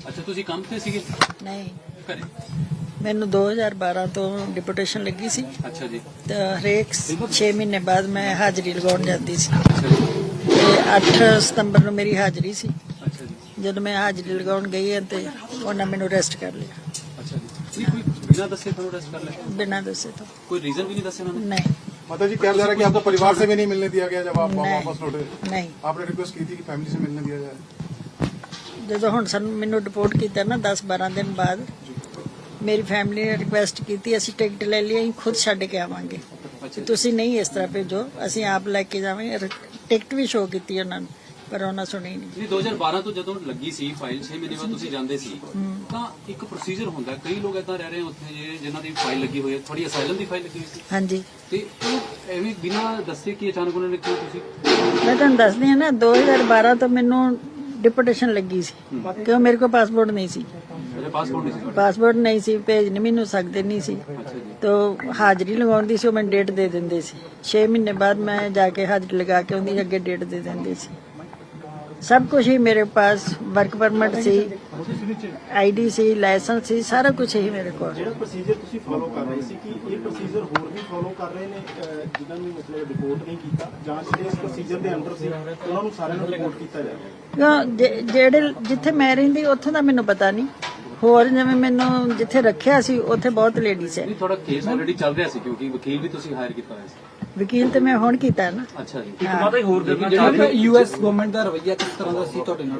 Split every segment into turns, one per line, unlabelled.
ਅੱਛਾ ਤੁਸੀਂ ਕੰਮ ਤੇ ਸੀਗੇ?
ਨਹੀਂ,
ਘਰੇ?
ਮੈਨੂੰ 2012 ਤੋਂ ਡਿਪੂਟੇਸ਼ਨ ਲੱਗੀ ਸੀ
ਅੱਛਾ ਜੀ।
ਤੇ ਹਰੇਕ 6 ਮਹੀਨੇ ਬਾਅਦ ਮੈਂ ਹਾਜ਼ਰੀ ਲਗਾਉਣ ਜਾਂਦੀ ਸੀ
ਅੱਛਾ ਜੀ।
ਤੇ 8 ਸਤੰਬਰ ਨੂੰ ਮੇਰੀ ਹਾਜ਼ਰੀ ਸੀ।
ਅੱਛਾ ਜੀ।
ਜਦੋਂ ਮੈਂ ਹਾਜ਼ਰੀ ਲਗਾਉਣ ਗਈ ਹਾਂ ਤੇ ਉਹਨਾਂ ਮੈਨੂੰ ਅਰੈਸਟ ਕਰ ਲਿਆ।
ਅੱਛਾ ਜੀ। ਕੋਈ ਬਿਨਾਂ ਦੱਸੇ ਤੁਹਾਨੂੰ ਅਰੈਸਟ ਕਰ ਲਿਆ?
ਬਿਨਾਂ ਦੱਸੇ ਤੋਂ।
ਕੋਈ रीजन भी नहीं दसे उन्होंने?
नहीं।
माता जी कहा जा रहा है कि आपको परिवार से भी नहीं मिलने दिया गया जब आप
नहीं।
वापस लौटे?
नहीं।
आपने रिक्वेस्ट की थी कि फैमिली से मिलने दिया जाए?
ਜਦੋਂ ਹੁਣ ਸਾਨੂੰ ਮੈਨੂੰ ਰਿਪੋਰਟ ਕੀਤਾ ਨਾ 10-12 ਦਿਨ ਬਾਅਦ ਮੇਰੀ ਫੈਮਿਲੀ ਨੇ ਰਿਕੁਐਸਟ ਕੀਤੀ ਅਸੀਂ ਟਿਕਟ ਲੈ ਲਈ ਅਸੀਂ ਖੁਦ ਛੱਡ ਕੇ ਆਵਾਂਗੇ ਤੇ ਤੁਸੀਂ ਨਹੀਂ ਇਸ ਤਰ੍ਹਾਂ ਭੇਜੋ ਅਸੀਂ ਆਪ ਲੈ ਕੇ ਜਾਵਾਂਗੇ। ਟਿਕਟ ਵੀ ਸ਼ੋਅ ਕੀਤੀ ਉਹਨਾਂ ਨੂੰ ਪਰ ਉਹਨਾਂ ਸੁਣੀ ਨਹੀਂ।
2012 ਤੋਂ ਜਦੋਂ ਲੱਗੀ ਸੀ ਫਾਈਲ 6 ਮਹੀਨੇ ਬਾਅਦ ਤੁਸੀਂ ਜਾਂਦੇ ਸੀ ਤਾਂ ਇੱਕ ਪ੍ਰੋਸੀਜਰ ਹੁੰਦਾ, ਕਈ ਲੋਕ ਏਦਾਂ ਰਹਿ ਰਹੇ ਉੱਥੇ ਜਿਨ੍ਹਾਂ ਦੀ ਫਾਈਲ ਲੱਗੀ ਹੋਈ ਹੈ, ਥੋੜੀ ਅਸਾਈਲਮ ਦੀ ਫਾਈਲ ਲੱਗੀ ਹੋਈ ਸੀ
ਹਾਂਜੀ,
ਤੇ ਉਹ ਐਵੇਂ ਬਿਨਾਂ ਦੱਸੇ ਕਿ ਅਚਾਨਕ ਉਹਨਾਂ ਨੇ ਕਿਉਂ ਤੁਸੀਂ?
ਮੈਂ ਤੁਹਾਨੂੰ ਦੱਸਦੀ ਹਾਂ ਨਾ 2012 ਤੋਂ ਮੈਨੂੰ ਡਿਪੂਟੇਸ਼ਨ ਲੱਗੀ ਸੀ ਕਿਉਂ ਮੇਰੇ ਕੋਲ ਪਾਸਪੋਰਟ ਨਹੀਂ ਸੀ।
ਪਾਸਪੋਰਟ ਨਹੀਂ ਸੀ?
ਪਾਸਪੋਰਟ ਨਹੀਂ ਸੀ, ਭੇਜ ਨਹੀਂ ਮੈਨੂੰ ਸਕਦੇ ਨਹੀਂ ਸੀ ਤੋ ਹਾਜ਼ਰੀ ਲਗਾਉਂਦੀ ਸੀ ਉਹ ਮੈਨੂੰ ਡੇਟ ਦੇ ਦਿੰਦੇ ਸੀ। 6 ਮਹੀਨੇ ਬਾਅਦ ਮੈਂ ਜਾ ਕੇ ਹਾਜ਼ਰੀ ਲਗਾ ਕੇ ਉਹਦੀ ਅੱਗੇ ਡੇਟ ਦੇ ਦਿੰਦੇ ਸੀ। सब कुछ ही मेरे पास, वर्क परमिट सी, आईडी सी, लाइसेंस सी, सारा कुछ ही मेरे को।
ਜਿਹੜਾ ਪ੍ਰੋਸੀਜਰ ਤੁਸੀਂ ਫੋਲੋ ਕਰ ਰਹੇ ਸੀ ਕਿ ਇਹ ਪ੍ਰੋਸੀਜਰ ਹੋਰ ਵੀ ਫੋਲੋ ਕਰ ਰਹੇ ਨੇ ਜਿਨ੍ਹਾਂ ਨੂੰ ਮਤਲਬ ਰਿਪੋਰਟ ਨਹੀਂ ਕੀਤਾ ਜਾਂ ਜਿਹੜੇ ਇਸ ਪ੍ਰੋਸੀਜਰ ਦੇ ਅੰਡਰ ਸੀ ਉਹਨਾਂ ਨੂੰ ਸਾਰਿਆਂ ਨੂੰ ਰਿਪੋਰਟ ਕੀਤਾ ਜਾਵੇ?
ਜਿਹੜੇ ਜਿੱਥੇ ਮੈਂ ਰਹਿੰਦੀ ਉੱਥੋਂ ਦਾ ਮੈਨੂੰ ਪਤਾ ਨਹੀਂ, ਹੋਰ ਜਿਵੇਂ ਮੈਨੂੰ ਜਿੱਥੇ ਰੱਖਿਆ ਸੀ ਉੱਥੇ ਬਹੁਤ ਲੇਡੀਜ਼ ਹੈ।
ਥੋੜਾ ਕੇਸ ਆਲਰੇਡੀ ਚੱਲ ਰਿਹਾ ਸੀ ਕਿਉਂਕਿ ਵਕੀਲ ਵੀ ਤੁਸੀਂ ਹਾਇਰ ਕੀਤਾ ਹੋਇਆ ਸੀ।
ਵਕੀਲ ਤੇ ਮੈਂ ਹੁਣ ਕੀਤਾ ਨਾ।
ਅੱਛਾ ਜੀ।
ਇੱਕ ਮਾਤਾ ਹੀ ਹੋਰ ਕਰਨਾ ਚਾਹੁੰਦਾ ਯੂਐਸ ਗਵਰਨਮੈਂਟ ਦਾ ਰਵੱਈਆ ਕਿਸ ਤਰ੍ਹਾਂ ਦਾ ਸੀ ਤੁਹਾਡੇ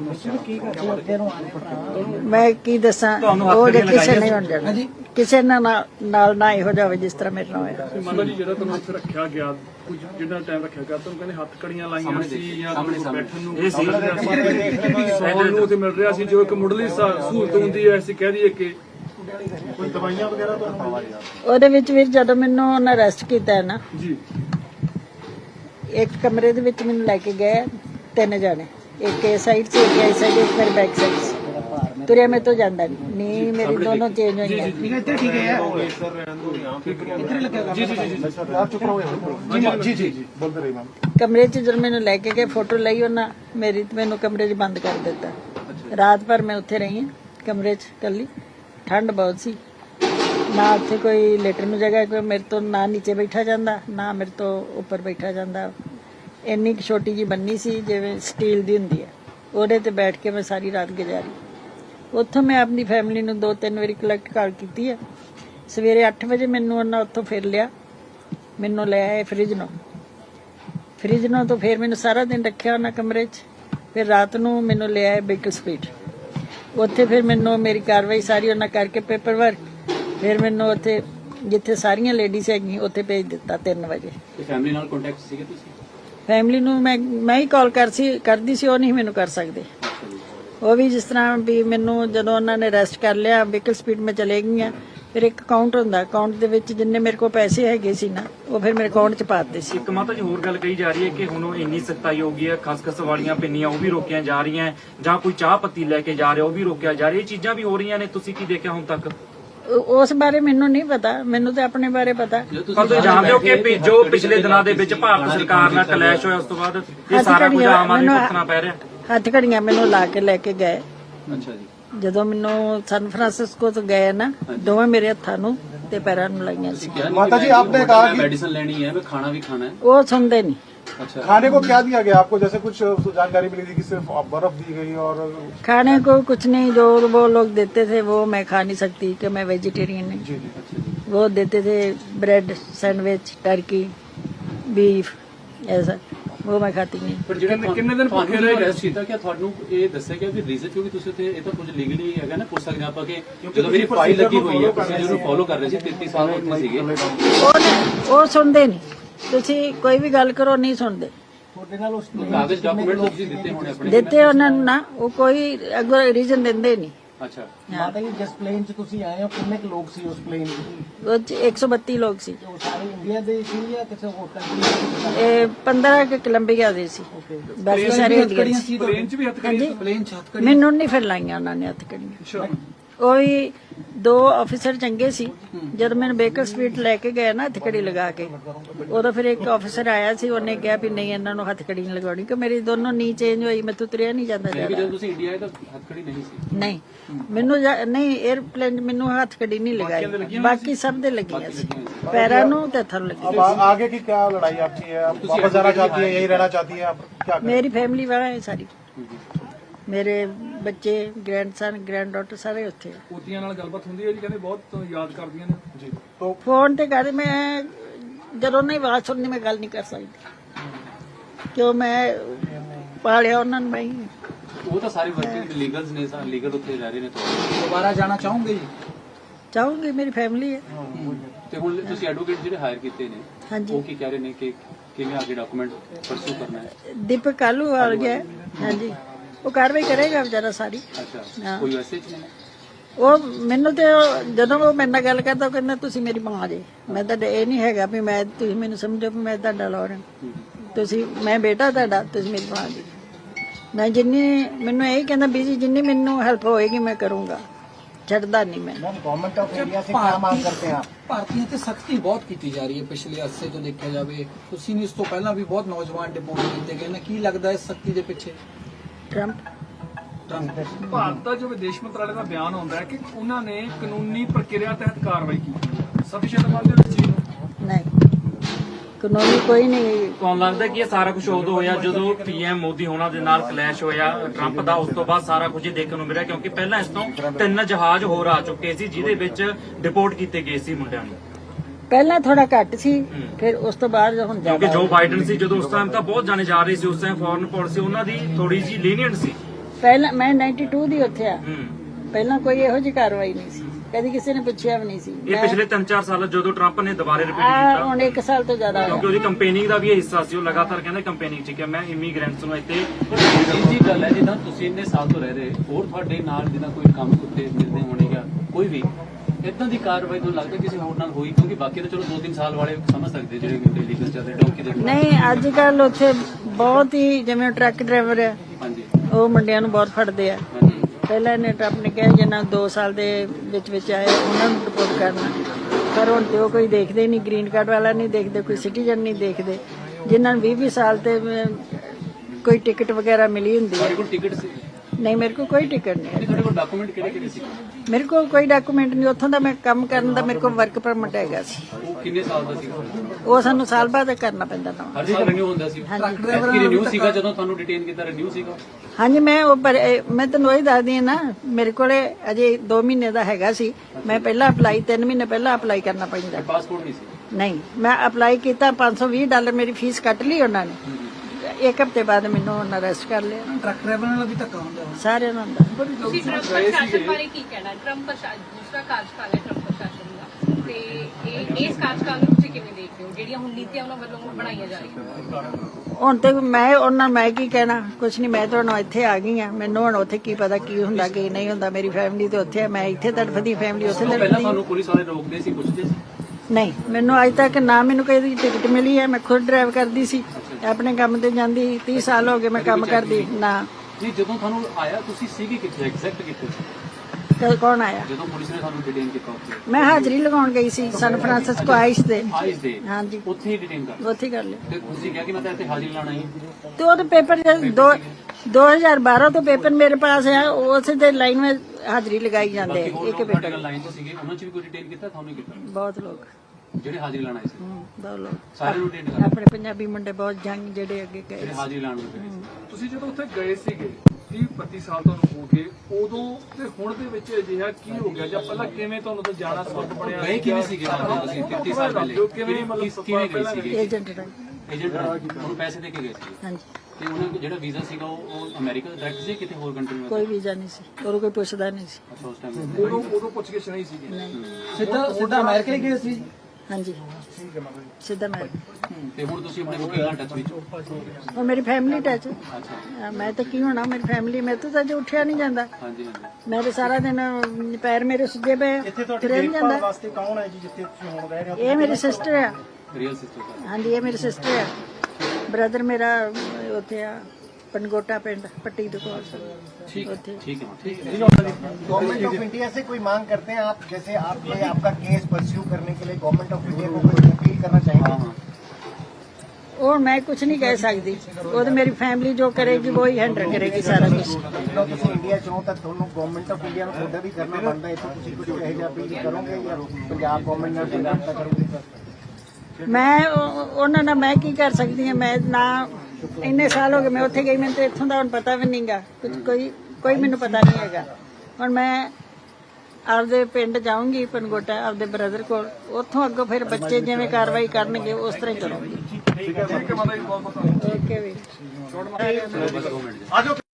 ਨਾਲ?
ਮੈਂ ਕੀ ਦੱਸਾਂ, ਉਹ ਜੇ ਕਿਸੇ ਨਹੀਂ ਹੋਣ ਜਾਣਾ ਕਿਸੇ ਨਾਲ ਨਾ ਇਹੋ ਜਿਹਾ ਹੋਵੇ ਜਿਸ ਤਰ੍ਹਾਂ ਮੇਰੇ ਨਾਲ ਹੋਇਆ।
ਮਾਤਾ ਜੀ ਜਿਹੜਾ ਤੁਹਾਨੂੰ ਇੱਥੇ ਰੱਖਿਆ ਗਿਆ ਕੁਝ ਜਿੰਨਾ ਟਾਈਮ ਰੱਖਿਆ ਗਿਆ ਤੁਹਾਨੂੰ ਕਹਿੰਦੇ ਹੱਥ ਕੜੀਆਂ ਲਾਈਆਂ ਸੀ ਜਾਂ ਬੈਠਣ ਨੂੰ ਇਹ ਸੀ ਸੌਣ ਨੂੰ ਤੇ ਮਿਲ ਰਿਹਾ ਸੀ ਜੋ ਇੱਕ ਮੁੱਢਲੀ ਸਹੂਲਤ ਹੁੰਦੀ ਹੈ ਅਸੀਂ ਕਹਿ ਦਈਏ ਕਿ
ਕੋਈ ਦਵਾਈਆਂ ਵਗੈਰਾ ਤੁਹਾਨੂੰ?
ਉਹਦੇ ਵਿੱਚ ਵੀ ਜਦੋਂ ਮੈਨੂੰ ਉਹਨਾਂ ਅਰੈਸਟ ਕੀਤਾ ਹੈ ਨਾ
ਜੀ
ਇੱਕ ਕਮਰੇ ਦੇ ਵਿੱਚ ਮੈਨੂੰ ਲੈ ਕੇ ਗਏ 3 ਜਣੇ, ਇੱਕ ਇਸ ਸਾਈਡ ਸੀ ਇੱਕ ਇਸ ਸਾਈਡ, ਇੱਕ ਮੇਰੇ ਬੈਕ ਸਾਈਡ ਸੀ। ਤੁਰਿਆ ਮੇਰੇ ਤੋਂ ਜਾਂਦਾ ਨਹੀਂ, ਮੇਰੀ ਦੋਨੋਂ ਚੇਂਜ ਹੋਈਆਂ।
आप चुप रहो जी जी जी बोलते रहिए मैम।
ਕਮਰੇ 'ਚ ਜਦੋਂ ਮੈਨੂੰ ਲੈ ਕੇ ਗਏ ਫੋਟੋ ਲਈ ਉਹਨਾਂ ਮੇਰੀ ਤੇ ਮੈਨੂੰ ਕਮਰੇ 'ਚ ਬੰਦ ਕਰ ਦਿੱਤਾ। ਰਾਤ ਭਰ ਮੈਂ ਉੱਥੇ ਰਹੀ ਹਾਂ ਕਮਰੇ 'ਚ ਇਕੱਲੀ। ਠੰਡ ਬਹੁਤ ਸੀ, ਨਾ ਉੱਥੇ ਕੋਈ ਲੇਟਣ ਨੂੰ ਜਗ੍ਹਾ, ਕੋਈ ਮੇਰੇ ਤੋਂ ਨਾ ਨੀਚੇ ਬੈਠਾ ਜਾਂਦਾ ਨਾ ਮੇਰੇ ਤੋਂ ਉੱਪਰ ਬੈਠਾ ਜਾਂਦਾ। ਇੰਨੀ ਕੁ ਛੋਟੀ ਜੀ ਬੰਨੀ ਸੀ ਜਿਵੇਂ ਸਟੀਲ ਦੀ ਹੁੰਦੀ ਹੈ, ਉਹਦੇ ਤੇ ਬੈਠ ਕੇ ਮੈਂ ਸਾਰੀ ਰਾਤ ਗੁਜ਼ਾਰੀ। ਉੱਥੋਂ ਮੈਂ ਆਪਣੀ ਫੈਮਿਲੀ ਨੂੰ 2-3 ਵਾਰੀ ਕਲੈਕਟ ਕਾਲ ਕੀਤੀ ਹੈ। ਸਵੇਰੇ 8 ਵਜੇ ਮੈਨੂੰ ਉਹਨਾਂ ਉੱਥੋਂ ਫਿਰ ਲਿਆ, ਮੈਨੂੰ ਲੈ ਆਏ ਫਰਿੱਜ ਨੂੰ ਤੋਂ ਫਿਰ ਮੈਨੂੰ ਸਾਰਾ ਦਿਨ ਰੱਖਿਆ ਉਹਨਾਂ ਕਮਰੇ 'ਚ। ਫਿਰ ਰਾਤ ਨੂੰ ਮੈਨੂੰ ਲੈ ਆਏ ਬੇਕਲ ਸਪੀਟ, ਉੱਥੇ ਫਿਰ ਮੈਨੂੰ ਮੇਰੀ ਕਾਰਵਾਈ ਸਾਰੀ ਉਹਨਾਂ ਕਰਕੇ ਪੇਪਰ ਵਰਕ, ਫਿਰ ਮੈਨੂੰ ਉੱਥੇ ਜਿੱਥੇ ਸਾਰੀਆਂ ਲੇਡੀਜ਼ ਹੈਗੀਆਂ ਉੱਥੇ ਭੇਜ ਦਿੱਤਾ 3 ਵਜੇ।
ਫੈਮਿਲੀ ਨਾਲ ਕੰਟੈਕਟ ਸੀਗੇ ਤੁਸੀਂ?
ਫੈਮਿਲੀ ਨੂੰ ਮੈਂ ਹੀ ਕਾਲ ਕਰਦੀ ਸੀ, ਉਹ ਨਹੀਂ ਮੈਨੂੰ ਕਰ ਸਕਦੇ। ਉਹ ਵੀ ਜਿਸ ਤਰ੍ਹਾਂ ਵੀ ਮੈਨੂੰ ਜਦੋਂ ਉਹਨਾਂ ਨੇ ਅਰੈਸਟ ਕਰ ਲਿਆ ਬੇਕਲ ਸਪੀਡ ਮੈਂ ਚਲੇ ਗਈਆਂ, ਫਿਰ ਇੱਕ ਅਕਾਊਂਟ ਹੁੰਦਾ, ਅਕਾਊਂਟ ਦੇ ਵਿੱਚ ਜਿੰਨੇ ਮੇਰੇ ਕੋਲ ਪੈਸੇ ਹੈਗੇ ਸੀ ਨਾ ਉਹ ਫਿਰ ਮੇਰੇ ਅਕਾਊਂਟ 'ਚ ਪਾ ਦਿੱਤੇ ਸੀ।
ਇੱਕ ਮਾਤਾ ਜੀ ਹੋਰ ਗੱਲ ਕਹੀ ਜਾ ਰਹੀ ਹੈ ਕਿ ਹੁਣ ਉਹ ਇੰਨੀ ਸਖਤਾਈ ਹੋ ਗਈ ਹੈ, ਖਸਖਸ ਵਾਲੀਆਂ ਪਿੰਨੀਆਂ ਉਹ ਵੀ ਰੋਕੀਆਂ ਜਾ ਰਹੀਆਂ ਜਾਂ ਕੋਈ ਚਾਹ ਪੱਤੀ ਲੈ ਕੇ ਜਾ ਰਿਹਾ ਉਹ ਵੀ ਰੋਕਿਆ ਜਾ ਰਿਹਾ, ਇਹ ਚੀਜ਼ਾਂ ਵੀ ਹੋ ਰਹੀਆਂ ਨੇ। ਤੁਸੀਂ ਕੀ ਦੇਖਿਆ ਹੁਣ ਤੱਕ?
ਉਸ ਬਾਰੇ ਮੈਨੂੰ ਨਹੀਂ ਪਤਾ, ਮੈਨੂੰ ਤਾਂ ਆਪਣੇ ਬਾਰੇ ਪਤਾ।
ਪਰ ਤੁਸੀਂ ਜਾਣਦੇ ਹੋ ਕਿ ਜੋ ਪਿਛਲੇ ਦਿਨਾਂ ਦੇ ਵਿੱਚ ਭਾਰਤ ਸਰਕਾਰ ਨਾਲ ਕਲੈਸ਼ ਹੋਇਆ ਉਸ ਤੋਂ ਬਾਅਦ ਇਹ ਸਾਰਾ ਕੁਝ ਆਮ ਆਦਮੀ ਭੁਗਤਣਾ ਪੈ ਰਿਹਾ।
ਹੱਥ ਘੜੀਆਂ ਮੈਨੂੰ ਲਾ ਕੇ ਲੈ ਕੇ ਗਏ
ਅੱਛਾ ਜੀ।
ਜਦੋਂ ਮੈਨੂੰ ਸਨ ਫਰਾਂਸਿਸਕੋ ਤੋਂ ਗਏ ਨਾ, ਦੋਵੇਂ ਮੇਰੇ ਹੱਥਾਂ ਨੂੰ ਤੇ ਪੈਰਾਂ ਨੂੰ ਲਾਈਆਂ ਸੀ।
माता जी आपने कहा कि
मेडिसिन लेनी है, मैं खाना भी खाना है।
ਉਹ ਸੁਣਦੇ ਨਹੀਂ।
अच्छा,
खाने को क्या दिया गया आपको? जैसे कुछ जानकारी मिली थी कि सिर्फ बर्फ दी गई और
खाने को कुछ नहीं, जो वो लोग देते थे वो मैं खा नहीं सकती कि मैं वेजिटेरियन
जी
हूँ।
जी
वो देते थे ब्रेड, सैंडविच, टर्की, बीफ, ऐसा वो मैं खाती नहीं।
ਪਰ ਜਿਹੜਾ ਕਿੰਨੇ ਦਿਨ ਭੁੱਖੇ ਰਹੇ ਅਰੈਸਟ ਕੀਤਾ, ਕਿ ਤੁਹਾਨੂੰ ਇਹ ਦੱਸਿਆ ਗਿਆ ਵੀ ਰੀਜ਼ਨ ਕਿਉਂਕਿ ਤੁਸੀਂ ਉੱਥੇ ਇਹ ਤਾਂ ਕੁਝ ਲੀਗਲੀ ਹੈਗਾ ਨਾ, ਪੁੱਛ ਸਕਦੇ ਆਪਾਂ ਕਿ ਜਦੋਂ ਮੇਰੀ ਫਾਈਲ ਲੱਗੀ ਹੋਈ ਹੈ ਤੁਸੀਂ ਜਿਹਨੂੰ ਫੋਲੋ ਕਰ ਰਹੇ ਸੀ 33 ਸਾਲ ਉੱਥੇ ਸੀਗੇ।
ਉਹ ਸੁਣਦੇ ਨਹੀਂ, ਤੁਸੀਂ ਕੋਈ ਵੀ ਗੱਲ ਕਰੋ ਨਹੀਂ ਸੁਣਦੇ।
ਕਾਗਜ਼ ਡਾਕੂਮੈਂਟ ਤੁਸੀਂ ਦਿੱਤੇ ਹੋਣੇ ਆਪਣੇ?
ਦਿੱਤੇ ਉਹਨਾਂ ਨੂੰ ਨਾ, ਉਹ ਕੋਈ ਅੱਗੋਂ ਰੀਜ਼ਨ ਦਿੰਦੇ ਨਹੀਂ।
ਅੱਛਾ,
ਮਾਤਾ ਜੀ ਜਿਸ ਪਲੇਨ 'ਚ ਤੁਸੀਂ ਆਏ ਹੋ ਕਿੰਨੇ ਕੁ ਲੋਕ ਸੀ ਉਸ ਪਲੇਨ 'ਚ?
ਉਹ 'ਚ 132 ਲੋਕ ਸੀ।
ਉਹ ਸਾਰੇ ਇੰਡੀਆ ਦੇ ਸੀ ਜਾਂ ਕਿਸੇ ਹੋਰ ਕੰਟਰੀ ਦੇ?
ਇਹ 15 ਕੇ ਕੋਲੰਬੀਆ ਦੇ ਸੀ, ਬਾਕੀ ਸਾਰੇ ਇੰਡੀਆ ਸੀ।
ਪਲੇਨ 'ਚ ਵੀ ਹੱਥ
ਹਾਂਜੀ, ਮੈਨੂੰ ਨਹੀਂ ਫਿਰ ਲਾਈਆਂ ਉਹਨਾਂ ਨੇ ਹੱਥ ਕੜੀਆਂ। ਉਹ ਵੀ 2 ਆਫੀਸਰ ਚੰਗੇ ਸੀ। ਜਦ ਮੈਨੂੰ ਬੇਕਰ ਸਟਰੀਟ ਲੈ ਕੇ ਗਏ ਨਾ ਹੱਥਕੜੀ ਲਗਾ ਕੇ, ਉਦੋਂ ਫਿਰ ਇੱਕ ਆਫੀਸਰ ਆਇਆ ਸੀ, ਉਹਨੇ ਕਿਹਾ ਵੀ ਨਹੀਂ ਇਹਨਾਂ ਨੂੰ ਹੱਥਕੜੀ ਨਹੀਂ ਲਗਾਉਣੀ, ਕਿ ਮੇਰੀ ਦੋਨੋਂ ਨੀ ਚੇਂਜ ਹੋਈ, ਮੈਂ ਤੁਰਿਆ ਨਹੀਂ ਜਾਂਦਾ ਜ਼ਿਆਦਾ।
ਜਦੋਂ ਤੁਸੀਂ ਇੰਡੀਆ ਆਏ ਤਾਂ ਹੱਥਕੜੀ ਨਹੀਂ ਸੀ?
ਨਹੀਂ, ਮੈਨੂੰ ਨਹੀਂ 에ਅਰਪਲੇਨ ਮੈਨੂੰ ਹੱਥਕੜੀ ਨਹੀਂ ਲਗਾਈ, ਬਾਕੀ ਸਭ ਦੇ ਲੱਗੀਆਂ ਸੀ, ਪੈਰਾਂ ਨੂੰ ਤੇ ਹੱਥਾਂ ਨੂੰ
अब
ਲੱਗੀ।
आगे की क्या लड़ाई आपकी है? आप वापस जाना चाहती है, यही रहना चाहती है, आप क्या करें?
ਮੇਰੀ ਫੈमिली ਵਾਲਾ ਹੈ ਸਾਰੀ, ਮੇਰੇ ਬੱਚੇ, ਗ੍ਰੈਂਡਸਨ, ਗ੍ਰੈਂਡ ਡਾਟਰ ਸਾਰੇ ਉੱਥੇ ਆ।
ਪੋਤੀਆਂ ਨਾਲ ਗੱਲਬਾਤ ਹੁੰਦੀ ਹੈ ਜੀ, ਕਹਿੰਦੇ ਬਹੁਤ ਯਾਦ ਕਰਦੀਆਂ ਨੇ
जी तो
ਫੋਨ ਤੇ ਕਰ, ਮੈਂ ਜਦੋਂ ਨਹੀਂ ਆਵਾਜ਼ ਸੁਣਨੀ ਮੈਂ ਗੱਲ ਨਹੀਂ ਕਰ ਸਕਦੀ, ਕਿਉਂ ਮੈਂ ਪਾਲਿਆ ਉਹਨਾਂ ਨੂੰ ਮੈਂ ਹੀ।
ਉਹ ਤਾਂ ਸਾਰੇ ਵਰਕਿੰਗ ਲੀਗਲਸ ਨੇ, ਲੀਗਲ ਉੱਥੇ ਰਹਿ ਰਹੇ ਨੇ।
ਦੁਬਾਰਾ ਜਾਣਾ ਚਾਹੋਗੇ ਜੀ?
ਚਾਹੂੰਗੀ, ਮੇਰੀ ਫੈमिली ਹੈ।
ਤੇ ਹੁਣ ਤੁਸੀਂ ਐਡਵੋਕੇਟ ਜਿਹੜੇ ਹਾਇਰ ਕੀਤੇ ਨੇ,
ਹਾਂਜੀ।
ਉਹ ਕੀ ਕਹਿ ਰਹੇ ਨੇ ਕਿ ਕਿਵੇਂ ਅੱਗੇ ਡਾਕੂਮੈਂਟ ਪਰਸੂ ਕਰਨਾ ਹੈ?
ਦੀਪਕ ਕਾਲੂ ਆ ਗਿਆ, ਹਾਂਜੀ, ਉਹ ਕਾਰਵਾਈ ਕਰੇਗਾ ਵਿਚਾਰਾ ਸਾਰੀ।
ਅੱਛਾ,
ਹਾਂ।
ਕੋਈ ਮੈਸੇਜ ਨਹੀਂ?
ਉਹ ਮੈਨੂੰ ਤੇ ਜਦੋਂ ਉਹ ਮੇਰੇ ਨਾਲ ਗੱਲ ਕਰਦਾ, ਉਹ ਕਹਿੰਦਾ ਤੁਸੀਂ ਮੇਰੀ ਮਾਂ ਜੇ। ਮੈਂ ਤਾਂ ਇਹ ਨਹੀਂ ਹੈਗਾ ਵੀ ਮੈਂ, ਤੁਸੀਂ ਮੈਨੂੰ ਸਮਝੋ ਵੀ ਮੈਂ ਤੁਹਾਡਾ ਲੋਰ ਹਾਂ, ਤੁਸੀਂ, ਮੈਂ ਬੇਟਾ ਤੁਹਾਡਾ, ਤੁਸੀਂ ਮੇਰੀ ਮਾਂ ਜੀ। ਮੈਂ ਜਿੰਨੀ, ਮੈਨੂੰ ਇਹੀ ਕਹਿੰਦਾ ਬੀਜੀ ਜਿੰਨੀ ਮੈਨੂੰ ਹੈਲਪ ਹੋਏਗੀ ਮੈਂ ਕਰੂੰਗਾ, ਛੱਡਦਾ ਨਹੀਂ ਮੈਂ।
गवर्नमेंट ऑफ इंडिया से क्या मांग करते हैं आप?
ਭਾਰਤੀਆਂ ਤੇ ਸਖਤੀ ਬਹੁਤ ਕੀਤੀ ਜਾ ਰਹੀ ਹੈ ਪਿਛਲੇ ਅਰਸੇ ਤੋਂ ਦੇਖਿਆ ਜਾਵੇ। ਤੁਸੀਂ ਨਹੀਂ, ਇਸ ਤੋਂ ਪਹਿਲਾਂ ਵੀ ਬਹੁਤ ਨੌਜਵਾਨ ਡਿਪੋਰਟ ਕੀਤੇ ਗਏ ਨੇ, ਕੀ ਲੱਗਦਾ ਇਸ ਸਖਤੀ ਦੇ ਪਿੱਛੇ?
ਟਰੰਪ
ਭਾਰਤ ਦਾ ਜੋ ਵਿਦੇਸ਼ ਮੰਤਰਾਲੇ ਦਾ ਬਿਆਨ ਆਉਂਦਾ ਹੈ ਕਿ ਉਹਨਾਂ ਨੇ ਕਾਨੂੰਨੀ ਪ੍ਰਕਿਰਿਆ ਤਹਿਤ ਕਾਰਵਾਈ ਕੀਤੀ, ਸਫੀਸ਼ੀਐਂਟ ਮੰਨਦੇ ਹੋ ਇਸ ਚੀਜ਼ ਨੂੰ?
ਨਹੀਂ, ਕਾਨੂੰਨੀ ਕੋਈ ਨਹੀਂ।
ਤੁਹਾਨੂੰ ਲੱਗਦਾ ਕਿ ਇਹ ਸਾਰਾ ਕੁਝ ਉਦੋਂ ਹੋਇਆ ਜਦੋਂ ਪੀਐਮ ਮੋਦੀ ਹੋਣਾ ਦੇ ਨਾਲ ਕਲੈਸ਼ ਹੋਇਆ ਟਰੰਪ ਦਾ, ਉਸ ਤੋਂ ਬਾਅਦ ਸਾਰਾ ਕੁਝ ਦੇਖਣ ਨੂੰ ਮਿਲਿਆ? ਕਿਉਂਕਿ ਪਹਿਲਾਂ ਇਸ ਤੋਂ 3 ਜਹਾਜ਼ ਹੋਰ ਆ ਚੁੱਕੇ ਸੀ ਜਿਹਦੇ ਵਿੱਚ ਡਿਪੋਰਟ ਕੀਤੇ ਗਏ ਸੀ ਮੁੰਡਿਆਂ ਨੂੰ।
ਪਹਿਲਾਂ ਥੋੜਾ ਘੱਟ ਸੀ, ਫਿਰ ਉਸ ਤੋਂ ਬਾਅਦ ਹੁਣ
ਕਿਉਂਕਿ
ਜ਼ਿਆਦਾ।
ਜੋ ਬਾਈਡਨ ਸੀ ਜਦੋਂ ਉਸ ਟਾਈਮ ਤਾਂ ਬਹੁਤ ਜਾਣੇ ਜਾ ਰਹੇ ਸੀ, ਉਸ ਟਾਈਮ ਫੋਰਨ ਪਾਲਿਸੀ ਉਹਨਾਂ ਦੀ ਥੋੜੀ ਜੀ ਲੀਨੀਅੰਟ ਸੀ।
ਪਹਿਲਾਂ ਮੈਂ 92 ਦੀ ਉੱਥੇ ਆ,
ਹੂੰ।
ਪਹਿਲਾਂ ਕੋਈ ਇਹੋ ਜਿਹੀ ਕਾਰਵਾਈ ਨਹੀਂ ਸੀ, ਕਦੀ ਕਿਸੇ ਨੇ ਪੁੱਛਿਆ ਵੀ ਨਹੀਂ ਸੀ।
ਇਹ ਪਿਛਲੇ 3-4 ਸਾਲਾਂ ਜਦੋਂ ਟਰੰਪ ਨੇ ਦੁਬਾਰੇ ਰਿਪੀਟ
ਆ
ਕੀਤਾ,
ਹੁਣ 1 ਸਾਲ ਤੋਂ ਜ਼ਿਆਦਾ
ਕਿਉਂਕਿ
ਹੋਇਆ।
ਉਹਦੀ ਕੰਪੇਨਿੰਗ ਦਾ ਵੀ ਇਹ ਹਿੱਸਾ ਸੀ, ਉਹ ਲਗਾਤਾਰ ਕਹਿੰਦਾ ਕੰਪੇਨਿੰਗ ਠੀਕ ਹੈ, ਮੈਂ ਇਮੀਗ੍ਰੈਂਟਸ ਨੂੰ ਇੱਥੇ
ਜੀ ਗੱਲ ਹੈ, ਜਿੱਦਾਂ ਤੁਸੀਂ ਇੰਨੇ ਸਾਲ ਤੋਂ ਰਹਿ ਰਹੇ, ਹੋਰ ਤੁਹਾਡੇ ਨਾਲ ਜਿੱਦਾਂ ਕੋਈ ਕੰਮ ਉੱਤੇ ਮਿਲਦੇ ਹੋਣੇ ਜਾਂ ਕੋਈ ਵੀ ਇਦਾਂ ਦੀ ਕਾਰਵਾਈ ਤੁਹਾਨੂੰ ਲੱਗਦਾ ਕਿਸੇ ਹੋਰ ਨਾਲ ਹੋਈ? ਕਿਉਂਕਿ ਬਾਕੀ ਤਾਂ ਚਲੋ 2-3 ਸਾਲ ਵਾਲੇ ਸਮਝ ਸਕਦੇ ਜਿਹੜੇ ਮੁੰਡੇ ਲੀਗਲ ਚੱਲਦੇ ਡੌਂਕੀ ਦੇ।
ਨਹੀਂ, ਅੱਜ ਕੱਲ ਉੱਥੇ ਬਹੁਤ ਹੀ, ਜਿਵੇਂ ਟਰੱਕ ਡਰਾਈਵਰ ਆ,
ਹਾਂਜੀ
ਉਹ ਮੁੰਡਿਆਂ ਨੂੰ ਬਹੁਤ ਫੜਦੇ ਆ।
ਹਾਂਜੀ
ਪਹਿਲਾਂ ਇਹਨੇ ਟਰੱਪ ਨੇ ਕਿਹਾ ਜਿਹਨਾਂ 2 ਸਾਲ ਦੇ ਵਿੱਚ ਆਏ ਉਹਨਾਂ ਨੂੰ ਰਿਪੋਰਟ ਕਰਨਾ, ਪਰ ਹੁਣ ਤੇ ਉਹ ਕੋਈ ਦੇਖਦੇ ਨਹੀਂ, ਗ੍ਰੀਨ ਕਾਰਡ ਵਾਲਾ ਨਹੀਂ ਦੇਖਦੇ, ਕੋਈ ਸਿਟੀਜ਼ਨ ਨਹੀਂ ਦੇਖਦੇ। ਜਿਨ੍ਹਾਂ ਨੂੰ 20 ਸਾਲ ਤੇ ਕੋਈ ਟਿਕਟ ਵਗੈਰਾ ਮਿਲੀ ਹੁੰਦੀ ਹੈ।
ਤੁਹਾਡੇ ਕੋਲ ਟਿਕਟ ਸੀ?
ਨਹੀਂ, ਮੇਰੇ ਕੋਲ ਕੋਈ ਟਿਕਟ ਨਹੀਂ।
ਤੁਹਾਡੇ ਕੋਲ ਡਾਕੂਮੈਂਟ ਕਿਹੜੇ ਸੀ?
ਮੇਰੇ ਕੋਲ ਕੋਈ ਡਾਕੂਮੈਂਟ ਨਹੀਂ। ਉੱਥੋਂ ਦਾ ਮੈਂ ਕੰਮ ਕਰਨ ਦਾ ਮੇਰੇ ਕੋਲ ਵਰਕ ਪਰਮਿਟ ਹੈਗਾ ਸੀ,
ਉਹ ਕਿੰਨੇ ਸਾਲ ਦਾ ਸੀਗਾ?
ਉਹ ਸਾਨੂੰ ਸਾਲ ਬਾਅਦ ਕਰਨਾ ਪੈਂਦਾ ਨਾ।
ਹਰ ਸਾਲ ਰਿਨਿਊ ਹੁੰਦਾ ਸੀ?
ਹਾਂਜੀ।
ਰਿਨਿਊ ਸੀਗਾ ਜਦੋਂ ਤੁਹਾਨੂੰ ਡਿਟੇਨ ਕੀਤਾ, ਰਿਨਿਊ ਸੀਗਾ?
ਹਾਂਜੀ, ਮੈਂ ਤੁਹਾਨੂੰ ਉਹੀ ਦੱਸਦੀ ਹਾਂ ਨਾ, ਮੇਰੇ ਕੋਲੇ ਅਜੇ 2 ਮਹੀਨੇ ਦਾ ਹੈਗਾ ਸੀ। ਮੈਂ ਪਹਿਲਾਂ ਅਪਲਾਈ 3 ਮਹੀਨੇ ਪਹਿਲਾਂ ਅਪਲਾਈ ਕਰਨਾ ਪੈਂਦਾ।
ਪਾਸਪੋਰਟ ਨਹੀਂ ਸੀ?
ਨਹੀਂ, ਮੈਂ ਅਪਲਾਈ ਕੀਤਾ, $520 ਮੇਰੀ ਫੀਸ ਕੱਟ ਲਈ ਉਹਨਾਂ ਨੇ। 1 ਹਫ਼ਤੇ ਬਾਅਦ ਮੈਨੂੰ ਉਹਨਾਂ ਅਰੈਸਟ ਕਰ ਲਿਆ।
ਟਰੱਕ ਡਰਾਈਵਰ ਨਾਲ ਵੀ ਧੱਕਾ ਹੁੰਦਾ ਹੈ।
ਸਾਰਿਆਂ ਨੂੰ ਹੁੰਦਾ।
ਤੁਸੀਂ ਟਰੰਪ ਪ੍ਰਸ਼ਾਸਨ ਬਾਰੇ ਕੀ ਕਹਿਣਾ? ਟਰੰਪ ਪ੍ਰਸ਼ਾਸਨ ਦੂਸਰਾ ਕਾਰਜਕਾਲ ਹੈ ਟਰੰਪ ਪ੍ਰਸ਼ਾਸਨ ਦਾ, ਤੇ ਇਸ ਕਾਰਜਕਾਲ ਨੂੰ ਤੁਸੀਂ ਕਿਵੇਂ ਦੇਖਦੇ ਹੋ, ਜਿਹੜੀਆਂ ਹੁਣ ਨੀਤੀਆਂ ਉਹਨਾਂ ਵੱਲੋਂ ਬਣਾਈਆਂ ਜਾ ਰਹੀਆਂ?
ਹੁਣ ਤੇ ਮੈਂ ਕੀ ਕਹਿਣਾ, ਕੁਛ ਨਹੀਂ। ਮੈਂ ਤਾਂ ਹੁਣ ਇੱਥੇ ਆ ਗਈ ਆ, ਮੈਨੂੰ ਹੁਣ ਉੱਥੇ ਕੀ ਪਤਾ ਕੀ ਹੁੰਦਾ ਕੀ ਨਹੀਂ ਹੁੰਦਾ। ਮੇਰੀ ਫੈਮਿਲੀ ਤੇ ਉੱਥੇ ਹੈ, ਮੈਂ ਇੱਥੇ ਤੜਫਦੀ, ਫੈਮਿਲੀ ਉੱਥੇ
ਪਹਿਲਾਂ
ਤੜਫਦੀ।
ਤੁਹਾਨੂੰ ਪੁਲਿਸ ਵਾਲੇ ਰੋਕਦੇ ਸੀ, ਪੁੱਛਦੇ ਸੀ?
ਨਹੀਂ, ਮੈਨੂੰ ਅੱਜ ਤੱਕ ਨਾ ਮੈਨੂੰ ਕੋਈ ਟਿਕਟ ਮਿਲੀ ਹੈ। ਮੈਂ ਖੁਦ ਡਰਾਈਵ ਕਰਦੀ ਸੀ, ਆਪਣੇ ਕੰਮ ਤੇ ਜਾਂਦੀ। 30 ਸਾਲ ਹੋ ਗਏ ਮੈਂ ਕੰਮ ਕਰਦੀ ਨਾ।
ਨਹੀਂ, ਜਦੋਂ ਤੁਹਾਨੂੰ ਆਇਆ ਤੁਸੀਂ ਸੀਗੇ ਕਿੱਥੇ, ਐਗਜ਼ੈਕਟ ਕਿੱਥੇ ਸੀ
ਕੌਣ ਆਇਆ?
ਜਦੋਂ ਪੁਲਿਸ ਨੇ ਤੁਹਾਨੂੰ ਡਿਟੇਨ ਕੀਤਾ ਉੱਥੇ?
ਮੈਂ ਹਾਜ਼ਰੀ ਲਗਾਉਣ ਗਈ ਸੀ ਸਨ ਫਰਾਂਸਿਸਕੋ ਆਈਸ ਦੇ।
ਆਈਸ ਦੇ?
ਹਾਂਜੀ,
ਉੱਥੇ ਹੀ ਡਿਟੇਨ ਕਰ?
ਉੱਥੇ ਕਰ ਲਿਆ।
ਤੇ ਤੁਸੀਂ ਕਿਹਾ ਕਿ ਮੈਂ ਤਾਂ ਇੱਥੇ ਹਾਜ਼ਰੀ ਲਾਣਾ ਹੀ।
ਤੇ ਉਹ ਪੇਪਰ 2012 ਤੋਂ ਪੇਪਰ ਮੇਰੇ ਪਾਸ ਹੈ, ਉਸੇ ਦੇ ਲਾਈਨ ਵਿੱਚ ਹਾਜ਼ਰੀ ਲਗਾਈ ਜਾਂਦੇ। ਇੱਕ ਪੇਪਰ
ਲਾਈਨ ਤੇ ਸੀਗੇ, ਉਹਨਾਂ ਚ ਵੀ ਕੋਈ ਡਿਟੇਨ ਕੀਤਾ? ਤੁਹਾਨੂੰ ਕੀਤਾ?
ਬਹੁਤ ਲੋਕ
ਜਿਹੜੇ ਹਾਜ਼ਰੀ ਲਾਣ ਆਏ ਸੀ?
ਬਹੁਤ ਲੋਕ
ਸਾਰੇ ਨੂੰ ਡਿਟੇਨ ਕਰ?
ਆਪਣੇ ਪੰਜਾਬੀ ਮੁੰਡੇ ਬਹੁਤ ਜੰਗ ਜਿਹੜੇ ਅੱਗੇ ਗਏ
ਜਿਹੜੇ ਹਾਜ਼ਰੀ ਲਾਣ ਨੂੰ ਗਏ ਸੀ?
ਤੁਸੀਂ ਜਦੋਂ ਉੱਥੇ ਗਏ ਸੀਗੇ 30-32 ਸਾਲ ਤੁਹਾਨੂੰ ਹੋ ਗਏ, ਉਦੋਂ ਤੇ ਹੁਣ ਦੇ ਵਿੱਚ ਅਜਿਹਾ ਕੀ ਹੋ ਗਿਆ, ਜਾਂ ਪਹਿਲਾਂ ਕਿਵੇਂ ਤੁਹਾਨੂੰ ਤਾਂ ਜਾਣਾ ਸਬਕ ਬਣਿਆ?
ਗਏ ਕਿਵੇਂ ਸੀਗੇ ਤੁਸੀਂ 33 ਸਾਲ ਪਹਿਲੇ?
ਕਿਵੇਂ ਮਤਲਬ
ਕਿਵੇਂ ਗਏ ਸੀਗੇ?
ਏਜੰਟ ਰਾਹੀਂ।
ਏਜੰਟ ਉਹਨੂੰ ਪੈਸੇ ਦੇ ਕੇ ਗਏ ਸੀ?
ਹਾਂਜੀ।
ਤੇ ਉਹਨਾਂ ਜਿਹੜਾ ਵੀਜ਼ਾ ਸੀਗਾ ਉਹ ਅਮਰੀਕਾ ਡਾਇਰੈਕਟ ਸੀ ਕਿਤੇ ਹੋਰ ਕੰਟਰੀ ਵਿੱਚ?
ਕੋਈ ਵੀਜ਼ਾ ਨਹੀਂ ਸੀ, ਉਹ ਕੋਈ ਪੁੱਛਦਾ ਨਹੀਂ ਸੀ।
ਅੱਛਾ, ਉਸ ਟਾਈਮ
ਉਦੋਂ ਪੁੱਛ ਕੇ ਨਹੀਂ ਸੀਗੀ?
ਸਿੱਧਾ ਅਮਰੀਕਾ ਹੀ ਗਏ ਸੀ?
ਹਾਂਜੀ, ਸਿੱਧਾ ਮੈਂ।
ਤੇ ਹੁਣ ਤੁਸੀਂ ਆਪਣੇ ਵਕੀਲ ਨਾਲ ਟੱਚ ਵਿੱਚ?
ਉਹ ਮੇਰੀ ਫੈਮਿਲੀ ਟੱਚ।
ਅੱਛਾ।
ਮੈਂ ਤਾਂ ਕੀ ਹੋਣਾ, ਮੇਰੀ ਫੈਮਿਲੀ, ਮੇਰੇ ਤੋਂ ਤਾਂ ਜੇ ਉੱਠਿਆ ਨਹੀਂ ਜਾਂਦਾ।
ਹਾਂਜੀ ਹਾਂਜੀ।
ਮੈਂ ਤਾਂ ਸਾਰਾ ਦਿਨ ਪੈਰ ਮੇਰੇ ਸੁੱਜੇ ਪਏ,
ਇੱਥੇ ਤੁਹਾਡੀ
ਤੁਰਿਆ ਨਹੀਂ
ਦੇਖਭਾਲ
ਜਾਂਦਾ।
ਵਾਸਤੇ ਕੌਣ ਹੈ ਜੀ ਜਿੱਥੇ ਤੁਸੀਂ ਹੁਣ ਰਹਿ ਰਹੇ ਹੋ?
ਇਹ ਮੇਰੀ ਸਿਸਟਰ ਆ।
Real sister?
ਹਾਂਜੀ, ਇਹ ਮੇਰੀ ਸਿਸਟਰ ਆ। ਬ੍ਰਦਰ ਮੇਰਾ ਉੱਥੇ ਆ पनगोटा पिंड पट्टी दे कोल उत्थे
ठीक है ठीक है
गवर्नमेंट ऑफ इंडिया से कोई मांग करते हैं आप, जैसे आप ये आपका केस परस्यू करने के लिए गवर्नमेंट ऑफ इंडिया को कोई अपील करना चाहेंगे?
और मैं कुछ नहीं कह सकती, वो तो मेरी फैमिली जो करेगी वो ही हैंडल करेगी सारा कुछ।
ਜਦੋਂ ਤੁਸੀਂ ਇੰਡੀਆ ਚੋਂ ਤਾਂ ਤੁਹਾਨੂੰ ਗਵਰਨਮੈਂਟ ਆਫ ਇੰਡੀਆ ਨੂੰ ਤੁਹਾਡਾ ਵੀ ਕਰਨਾ ਬਣਦਾ ਹੈ, ਤਾਂ ਤੁਸੀਂ ਕੁਝ ਇਹੋ ਜਿਹਾ ਅਪੀਲ ਕਰੋਗੇ ਜਾਂ ਪੰਜਾਬ ਗਵਰਨਮੈਂਟ ਨਾਲ ਸੰਪਰਕ ਕਰੋਗੇ?
ਮੈਂ ਉਹਨਾਂ ਨਾਲ ਮੈਂ ਕੀ ਕਰ ਸਕਦੀ ਹਾਂ, ਮੈਂ ਨਾ ਇੰਨੇ ਸਾਲ ਹੋ ਗਏ ਮੈਂ ਉੱਥੇ ਗਈ, ਮੈਨੂੰ ਤੇ ਇੱਥੋਂ ਦਾ ਹੁਣ ਪਤਾ ਵੀ ਨਹੀਂਗਾ, ਕੋਈ ਮੈਨੂੰ ਪਤਾ ਨਹੀਂ ਹੈਗਾ। ਹੁਣ ਮੈਂ ਆਪਦੇ ਪਿੰਡ ਜਾਊਂਗੀ ਪਨਗੋਟਾ ਆਪਦੇ ਬ੍ਰਦਰ ਕੋਲ, ਉੱਥੋਂ ਅੱਗੋਂ ਫਿਰ ਬੱਚੇ ਜਿਵੇਂ ਕਾਰਵਾਈ ਕਰਨਗੇ ਉਸ ਤਰ੍ਹਾਂ ਹੀ ਕਰੂੰਗੀ। ਓਕੇ ਵੀ।